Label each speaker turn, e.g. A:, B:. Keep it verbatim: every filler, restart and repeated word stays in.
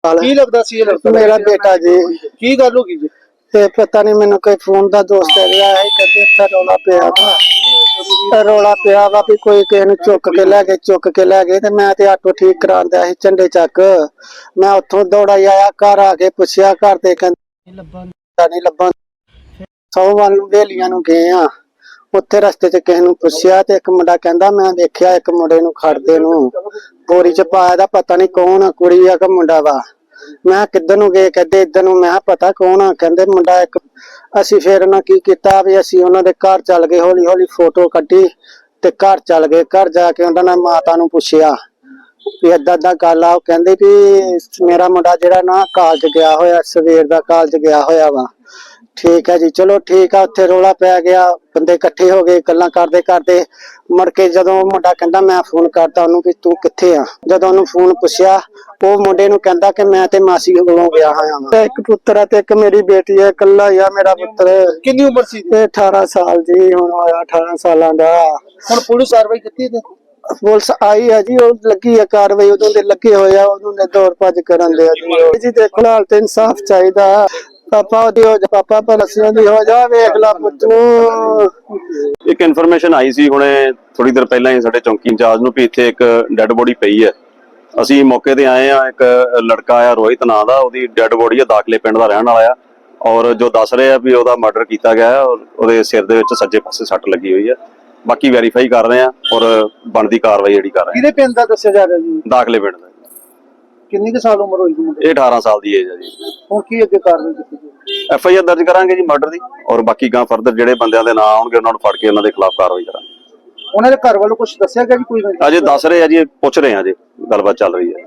A: ਕੀ ਲੱਗਦਾ ਸੀ ਇਹ ਲੜਕਾ?
B: ਮੇਰਾ ਬੇਟਾ ਜੀ।
A: ਕੀ ਗੱਲ ਹੋ ਗਈ ਜੀ?
B: ਤੇ ਪਤਾ ਨਹੀਂ ਮੈਨੂੰ ਕੋਈ ਫੋਨ ਦਾ ਦੋਸਤ ਰਿਹਾ ਹੈ, ਕਹਿੰਦੇ ਇੱਥੇ ਰੌਲਾ ਪਿਆ ਵਾ ਰੌਲਾ ਪਿਆ ਵਾ ਵੀ ਕੋਈ ਕਿਸੇ ਨੂੰ ਚੁੱਕ ਕੇ ਲੈ ਗਏ ਚੁੱਕ ਕੇ ਲੈ ਗਏ ਤੇ ਮੈਂ ਤੇ ਆਟੋ ਠੀਕ ਕਰਾਉਂਦਾ ਸੀ ਝੰਡੇ ਚੱਕ। ਮੈਂ ਉੱਥੋਂ ਦੌੜਾ ਆਇਆ, ਘਰ ਆ ਕੇ ਪੁੱਛਿਆ, ਘਰ ਦੇ ਕਹਿੰਦੇ ਲੱਭਣ ਨਹੀਂ ਲੱਭਣ। ਸੌ ਵੱਲ ਨੂੰ ਵੇਲੀਆਂ ਨੂੰ ਗਏ ਆ, ਉੱਥੇ ਰਸਤੇ 'ਚ ਕਿਸੇ ਨੂੰ ਪੁੱਛਿਆ ਤੇ ਇੱਕ ਮੁੰਡਾ ਕਹਿੰਦਾ ਮੈਂ ਦੇਖਿਆ ਇੱਕ ਮੁੰਡੇ ਨੂੰ ਖੜਦੇ ਨੂੰ ਬੋਰੀ 'ਚ ਪਾਇਆ ਦਾ, ਪਤਾ ਨਹੀਂ ਕੌਣ ਆ, ਕੁੜੀ ਆ ਕਿ ਮੁੰਡਾ ਵਾ। ਮੈਂ ਕਿੱਧਰ ਨੂੰ ਗਏ, ਕਹਿੰਦੇ ਇੱਧਰ ਨੂੰ। ਮੈਂ ਪਤਾ ਕੌਣ ਆ, ਕਹਿੰਦੇ ਮੁੰਡਾ ਇੱਕ। ਅਸੀਂ ਫੇਰ ਉਹਨਾਂ ਕੀ ਕੀਤਾ ਵੀ ਅਸੀਂ ਉਹਨਾਂ ਦੇ ਘਰ ਚੱਲ ਗਏ, ਹੌਲੀ ਹੌਲੀ ਫੋਟੋ ਕੱਢੀ ਤੇ ਘਰ ਚੱਲ ਗਏ। ਘਰ ਜਾ ਕੇ ਉਹਨਾਂ ਨੇ ਮਾਤਾ ਨੂੰ ਪੁੱਛਿਆ ਵੀ ਏਦਾਂ ਏਦਾਂ ਗੱਲ ਆ। ਉਹ ਕਹਿੰਦੇ ਵੀ ਮੇਰਾ ਮੁੰਡਾ ਜਿਹੜਾ ਨਾ ਕਾਲਜ ਗਿਆ ਹੋਇਆ, ਸਵੇਰ ਦਾ ਕਾਲਜ ਗਿਆ ਹੋਇਆ ਵਾ। ਠੀਕ ਹੈ ਜੀ, ਚਲੋ ਠੀਕ ਆ। ਉੱਥੇ ਰੌਲਾ ਪੈ ਗਿਆ, ਬੰਦੇ ਇਕੱਠੇ ਹੋ ਗਏ, ਗੱਲਾਂ ਕਰਦੇ ਕਰਦੇ ਮੁੜ ਕੇ ਜਦੋਂ ਮੁੰਡਾ ਕਹਿੰਦਾ ਮੈਂ ਫੋਨ ਕਰਤਾ ਉਹਨੂੰ ਵੀ ਤੂੰ ਕਿੱਥੇ ਆ, ਜਦੋਂ ਉਹਨੂੰ ਫੋਨ ਪੁੱਛਿਆ ਉਹ ਮੁੰਡੇ ਨੂੰ ਕਹਿੰਦਾ ਕਿ ਮੈਂ ਤੇ ਮਾਸੀ ਕੋਲੋਂ ਗਿਆ ਹੋਇਆ ਵਾਂ। ਇੱਕ ਪੁੱਤਰ ਆ ਤੇ ਇੱਕ ਮੇਰੀ ਬੇਟੀ ਹੈ, ਇਕੱਲਾ ਹੀ ਆ ਮੇਰਾ ਪੁੱਤਰ।
A: ਕਿੰਨੀ ਉਮਰ ਸੀ?
B: ਇਹ ਅਠਾਰਾਂ ਸਾਲ ਜੀ ਹੁਣ ਹੋਇਆ, ਅਠਾਰਾਂ ਸਾਲਾਂ ਦਾ।
A: ਹੁਣ ਪੁਲਿਸ ਕਾਰਵਾਈ ਕੀਤੀ ਤੇ
B: ਪੁਲਿਸ ਆਈ ਹੈ ਜੀ, ਉਹ ਲੱਗੀ ਹੈ ਕਾਰਵਾਈ, ਉਦੋਂ ਦੇ ਲੱਗੇ ਹੋਏ ਆ, ਉਦੋਂ ਦੇ ਦੌੜ ਭੱਜ ਕਰਨ ਦੇ ਜੀ। ਜੀ ਦੇਖੋ ਹਾਲ ਤੇ ਇਨਸਾਫ ਚਾਹੀਦਾ। ਪਾਪਾ ਦੀ ਹੋ ਜਾ, ਪਾਪਾ ਪਲਸਿਆਂ ਦੀ ਹੋ ਜਾ, ਵੇਖ ਲਾ ਪੁੱਤ ਨੂੰ।
C: ਇੱਕ ਇਨਫੋਰਮੇਸ਼ਨ ਆਈ ਸੀ ਹੁਣੇ ਥੋੜੀ ਦੇਰ ਪਹਿਲਾਂ ਹੀ ਸਾਡੇ ਚੌਂਕੀ ਇੰਚਾਰਜ ਨੂੰ ਵੀ ਇੱਥੇ ਇੱਕ ਡੈੱਡ ਬੋਡੀ ਪਈ ਹੈ। ਅਸੀਂ ਮੌਕੇ ਤੇ ਆਏ ਆ। ਇੱਕ ਲੜਕਾ ਆ ਰੋਹਿਤ ਨਾਂ ਦਾ, ਉਹਦੀ ਡੈੱਡ ਬੋਡੀ ਆ, ਦਾਖਲੇ ਪਿੰਡ ਦਾ ਰਹਿਣ ਵਾਲਾ ਆ। ਔਰ ਜੋ ਦੱਸ ਰਹੇ ਆ ਵੀ ਉਹਦਾ ਮਰਡਰ ਕੀਤਾ ਗਿਆ ਹੈ ਔਰ ਉਹਦੇ ਸਿਰ ਦੇ ਵਿੱਚ ਸੱਜੇ ਪਾਸੇ ਸੱਟ ਲੱਗੀ ਹੋਈ ਹੈ। ਬਾਕੀ ਵੈਰੀਫਾਈ ਕਰ ਰਹੇ ਆ ਔਰ ਬਣਦੀ ਕਾਰਵਾਈ ਜਿਹੜੀ ਕਰ ਰਹੇ ਆ।
A: ਕਿਹਦੇ ਪਿੰਡ ਦਾ ਦੱਸਿਆ ਜਾ ਰਿਹਾ ਜੀ?
C: ਦਾਖਲੇ ਪਿੰਡ ਦਾ।
A: ਕਿੰਨੀ ਕੁ ਸਾਲ ਉਮਰ ਹੋਈ ਜੀ?
C: ਇਹ ਅਠਾਰਾਂ ਸਾਲ ਦੀ ਏਜ ਹੈ ਜੀ।
A: ਹੁਣ ਕੀ ਅੱਗੇ ਕਾਰਵਾਈ ਕੀਤੀ ਜੀ?
C: ਐਫ ਆਈ ਆਰ ਦਰਜ ਕਰਾਂਗੇ ਜੀ ਮਰਡਰ ਦੀ, ਔਰ ਬਾਕੀ ਗਾਂ ਫਰਦਰ ਜਿਹੜੇ ਬੰਦਿਆਂ ਦੇ ਨਾਂ ਆਉਣਗੇ ਉਹਨਾਂ ਨੂੰ ਫੜ ਕੇ ਉਹਨਾਂ ਦੇ ਖਿਲਾਫ ਕਾਰਵਾਈ ਕਰਾਂਗੇ।
A: ਉਹਨਾਂ ਦੇ ਘਰ ਵੱਲੋਂ ਕੁਝ ਦੱਸਿਆ ਗਿਆ ਜੀ? ਕੋਈ
C: ਅਜੇ ਦੱਸ ਰਹੇ ਆ ਜੀ, ਪੁੱਛ ਰਹੇ ਆ ਜੀ, ਗੱਲਬਾਤ ਚੱਲ ਰਹੀ ਹੈ।